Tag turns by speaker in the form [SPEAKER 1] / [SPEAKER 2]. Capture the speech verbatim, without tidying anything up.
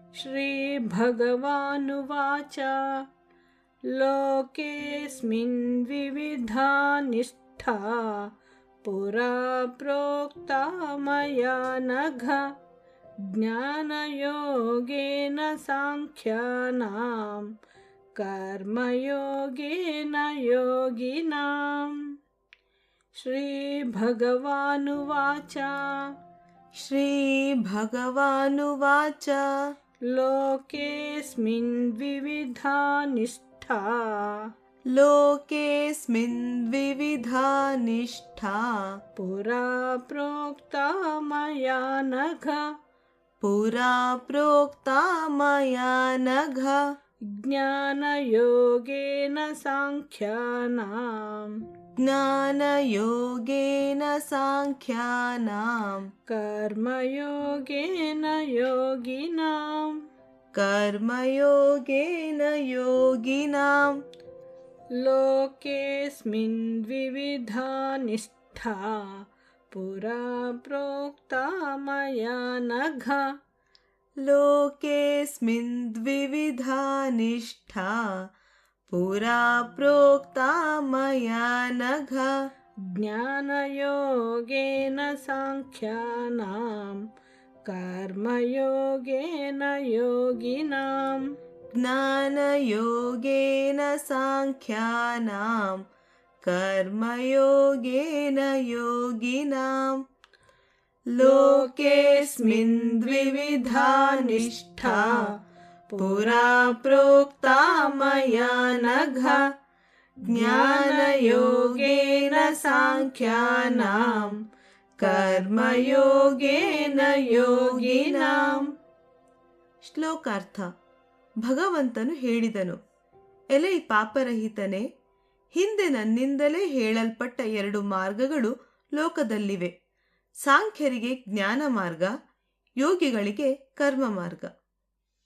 [SPEAKER 1] श्रीभगवानुवाच लोकेऽस्मिन् विविधा निष्ठा पुरा प्रोक्ता मया नघ ज्ञानयोगेन सांख्यानां कर्मयोगेन योगिनाम्। श्रीभगवानुवाच
[SPEAKER 2] श्रीभगवानुवाच
[SPEAKER 1] लोकेऽस्मिन् विविधा निष्ठा
[SPEAKER 2] लोकेऽस्मिन् विविधा निष्ठा
[SPEAKER 1] पुरा प्रोक्ता मया नघ
[SPEAKER 2] पुरा प्रोक्ता मया नघ
[SPEAKER 1] ज्ञानयोगेन सांख्यानां
[SPEAKER 2] ज्ञानयोगेन सांख्यानां
[SPEAKER 1] कर्मयोगेन योगिनाम्।
[SPEAKER 2] कर्मयोगेन योगिनां।
[SPEAKER 1] लोकेऽस्मिन् विविधा निष्ठा पुरा प्रोक्ता मया नघ
[SPEAKER 2] लोकेऽस्मिन् द्विविधा निष्ठा पुरा प्रोक्ता मया नघ
[SPEAKER 1] ज्ञानयोगेन सांख्यानां कर्मयोगेन योगिनाम्।
[SPEAKER 2] ज्ञानयोगेन सांख्यानां कर्मयोगेन योगिनाम्। लोकेऽस्मिन् द्विविधा निष्ठा पुरा प्रोक्ता मया नघ ज्ञानयोगेन सांख्यानां कर्मयोगेन ಯೋಗಿನಾಂ. ಶ್ಲೋಕಾರ್ಥ. ಭಗವಂತನು ಹೇಳಿದನು, ಎಲೈ ಪಾಪರಹಿತನೇ, ಹಿಂದೆ ನನ್ನಿಂದಲೇ ಹೇಳಲ್ಪಟ್ಟ ಎರಡು ಮಾರ್ಗಗಳು ಲೋಕದಲ್ಲಿವೆ. ಸಾಂಖ್ಯರಿಗೆ ಜ್ಞಾನ ಮಾರ್ಗ, ಯೋಗಿಗಳಿಗೆ ಕರ್ಮ ಮಾರ್ಗ.